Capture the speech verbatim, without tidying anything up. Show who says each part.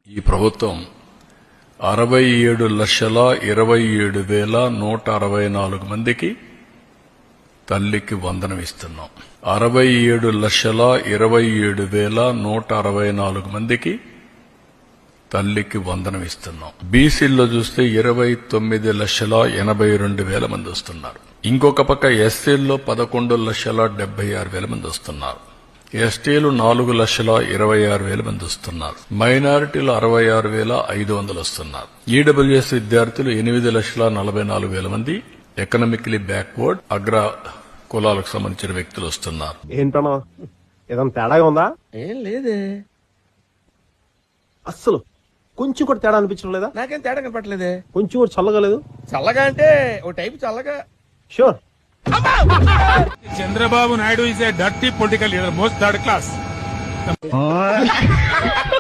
Speaker 1: ఈ ప్రభుత్వం అరవై ఏడు లక్షల ఇరవై ఏడు వేల నూట అరవై నాలుగు మందికి తల్లికి వందనం ఇస్తున్నాం. అరవై ఏడు లక్షల ఇరవై ఏడు వేల నూట అరవై నాలుగు మందికి తల్లికి వందనం ఇస్తున్నాం. బీసీల్లో చూస్తే ఇరవై తొమ్మిది లక్షల ఎనభై రెండు వేల మంది వస్తున్నారు. ఇంకొక పక్క ఎస్సీల్లో పదకొండు లక్షల డెబ్బై ఆరు వేల మంది వస్తున్నారు. ఎస్టీలు నాలుగు లక్షల ఇరవై ఆరు వేల మంది వస్తున్నారు. మైనారిటీలు అరవై ఆరు వేల ఐదు వందలు వస్తున్నారు. ఈడబ్ల్యూఎస్ విద్యార్థులు ఎనిమిది లక్షల నలభై నాలుగు వేల మంది ఎకనామికలీ బ్యాక్వర్డ్ అగ్ర కులాలకు సంబంధించిన వ్యక్తులు వస్తున్నారు.
Speaker 2: ఏంటన్నా ఏదైనా తేడాగా ఉందా?
Speaker 3: ఏం లేదే,
Speaker 2: అస్సలు కొంచెం కూడా తేడా అనిపించడం లేదా?
Speaker 3: నాకేం తేడా కనపట్లేదే.
Speaker 2: కొంచెం కూడా చల్లగా లేదు?
Speaker 3: చల్లగా అంటే ఓ టైపు చల్లగా.
Speaker 2: Sure.
Speaker 4: Chandrababu Naidu is a dirty political leader, most third class.